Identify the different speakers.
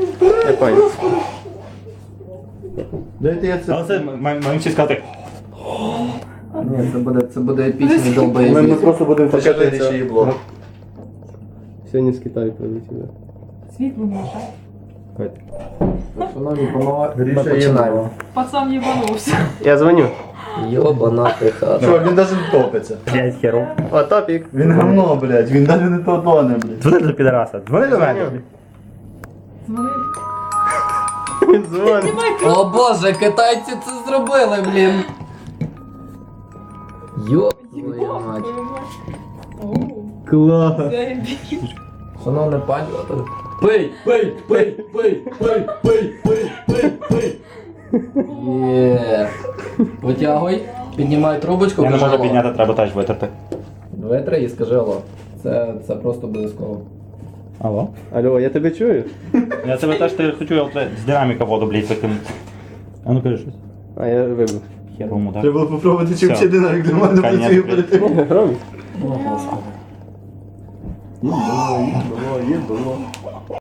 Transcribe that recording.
Speaker 1: Я понял.
Speaker 2: Дайте я це.
Speaker 3: Але це маємо всі сказати.
Speaker 4: Ні, це буде епічний
Speaker 2: Ми
Speaker 4: долбоєбіт.
Speaker 2: просто будемо
Speaker 1: Покажи
Speaker 2: вчити
Speaker 1: це.
Speaker 2: ще їбло.
Speaker 1: Сьогодні з Китаю прилетіли.
Speaker 5: Світло може.
Speaker 4: Шановні, панове, ми
Speaker 2: Гріша
Speaker 4: починаємо.
Speaker 2: їбло.
Speaker 5: Пацан їбанувся.
Speaker 1: Я дзвоню.
Speaker 4: Йобана ти хата.
Speaker 2: Чувак, він навіть не топиться.
Speaker 3: Блять, херов.
Speaker 1: О, топік.
Speaker 2: Він говно, блядь, він навіть не тоне, блядь.
Speaker 3: Дзвони до підараса. Дзвони до мене.
Speaker 5: Дзвони.
Speaker 1: Він дзвонить.
Speaker 4: О боже, китайці це зробили, блін. Йоб твою мать.
Speaker 5: Оу,
Speaker 1: Клас.
Speaker 5: заєбісь.
Speaker 4: Шановне пані. Пий, пий, пий, пий, пий, пий, пий, пий, пий. Є. Витягуй, піднімай трубочку.
Speaker 3: Я не
Speaker 4: кажи
Speaker 3: можу
Speaker 4: алло.
Speaker 3: підняти, треба теж витерти.
Speaker 4: Витри і скажи алло. Це просто обов'язково.
Speaker 3: Алло?
Speaker 1: Алло, я тебе чую?
Speaker 3: Я тебе теж хочу з динаміка воду, блядь, викинути. А ну кажи щось.
Speaker 1: А я вибув.
Speaker 3: Херовому, так?
Speaker 2: Треба було попробувати, чи
Speaker 3: Все.
Speaker 2: взагалі динамік нормально
Speaker 3: Конець,
Speaker 2: працює
Speaker 3: блядь.
Speaker 2: перед тим.
Speaker 1: Громі?
Speaker 4: О, господи.
Speaker 2: Їбло.